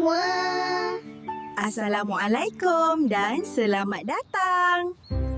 semua. Assalamualaikum dan selamat datang.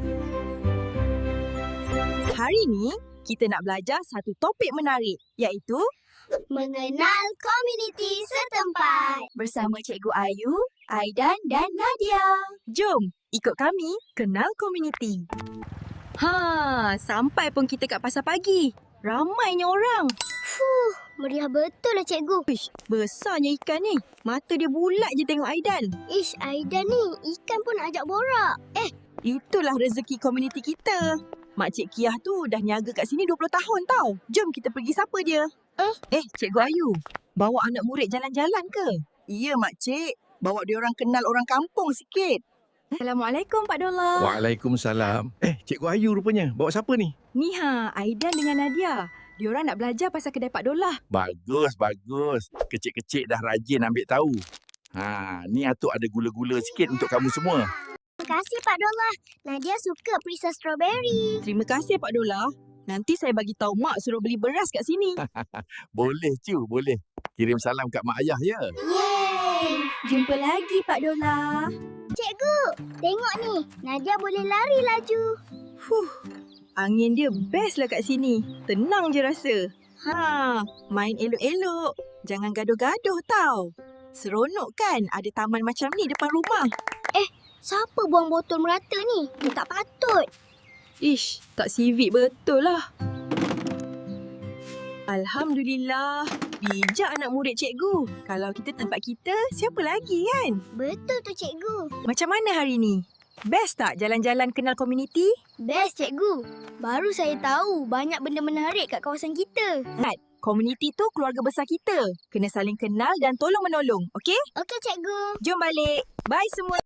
Hari ni, kita nak belajar satu topik menarik iaitu Mengenal komuniti setempat. bersama Cikgu Ayu, Aidan dan Nadia. Jom, ikut kami kenal komuniti. Sampai pun kita kat pasar pagi. Ramainya orang. Meriah betul lah cikgu. Ish, besarnya ikan ni. Mata dia bulat je tengok Aidan. Ish, Aidan ni ikan pun nak ajak borak. Itulah rezeki komuniti kita. Makcik Kiah tu dah niaga kat sini 20 tahun tau. Jom kita pergi sapa dia. Cikgu Ayu, bawa anak murid jalan-jalan ke? Ya, makcik. Bawa dia orang kenal orang kampung sikit. Assalamualaikum Pak Dollah. Waalaikumsalam. Cikgu Ayu rupanya. Bawa siapa ni? Ni Aidan dengan Nadia. Diorang nak belajar pasal kedai Pak Dollah. Bagus, bagus. Kecil-kecil dah rajin ambil tahu. Ni atuk ada gula-gula sikit untuk kamu semua. Terima kasih Pak Dollah. Nadia suka perisa strawberry. Terima kasih Pak Dollah. Nanti saya bagi tahu mak suruh beli beras kat sini. Boleh, Cu, boleh. Kirim salam kat mak ayah, ya? Yeay! Jumpa lagi Pak Dollah. Cikgu, tengok ni. Nadia boleh lari laju. Angin dia best lah kat sini. Tenang je rasa. Main elok-elok. Jangan gaduh-gaduh tau. Seronok kan ada taman macam ni depan rumah. Siapa buang botol merata ni? Dia tak patut. Ish, tak civic betul lah. Alhamdulillah. Bijak anak murid cikgu. Kalau kita tempat kita, siapa lagi kan? Betul tu cikgu. Macam mana hari ni? Best tak jalan-jalan kenal komuniti? Best cikgu. Baru saya tahu banyak benda menarik kat kawasan kita. Komuniti tu keluarga besar kita. Kena saling kenal dan tolong-menolong, okey? Okey cikgu. Jom balik. Bye semua.